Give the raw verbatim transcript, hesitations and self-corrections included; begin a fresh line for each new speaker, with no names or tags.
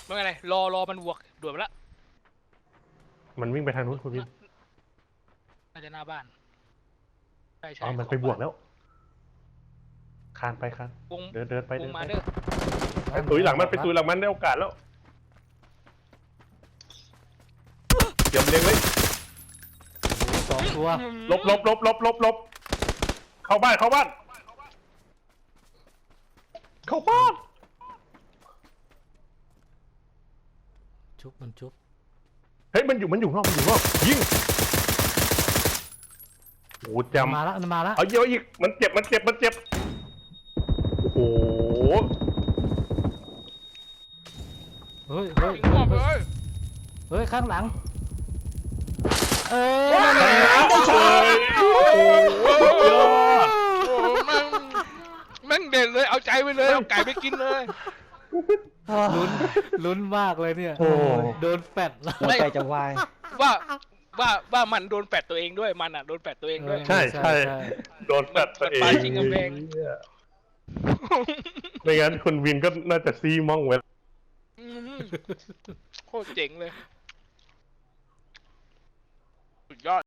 ไม่เป็นไรรอรอมันบวกด่วนไปละ
มันวิ่งไปทางนู้นคุณวิน
น่าจะหน้าบ้านใช่ใช่
อ๋อมันไปบวกแล้วคานไปคาน
วง
เดินเดินไป
ว
เดิ
ง
น
มา
ไป
เด้อ
ไปตุยหลังมันไปตุยหลังมันได้โอกาสแล้วเตรียมเลี้ยงเลย
สองตัว
ลบลบลบลบลบลบเข้าบ้านเข้าบ้านเข้าบ้าน
ชุบมันชุบ
เฮ้ยมันอยู่มันอยู่นอกมันอยู่นอกยิงโอ้จำ
มาแล้วมันมาแล้ว
เอาเยอะอีกมันเจ็บมันเจ็บมันเจ็บโอ้โห
เฮ้ยเฮ้ย
ยิงออกเลย
เฮ้ยข้างหลังเออ
ได้ชยโอ้โหยอด
โอ้แม่งแม่งเด่นเลยเอาใจไปเลยเอาไก่ไปกินเลย
ลุ้นลุ้นมากเลยเนี่ย
โอ้
โดนแฟดแล้ว
หัวใจจะวาย
ว่าว่าว่ามันโดนแปดตัวเองด้วยมันอ่ะโดนแปดตัวเองด้วย
ใช่ใช่โดนแฟดตัวเอง
มันปาจริงกำแพง
ไม่งั้นคุณวินก็น่าจะซีมองไว้
อืมโคตรเจ๋งเลยสุดยอด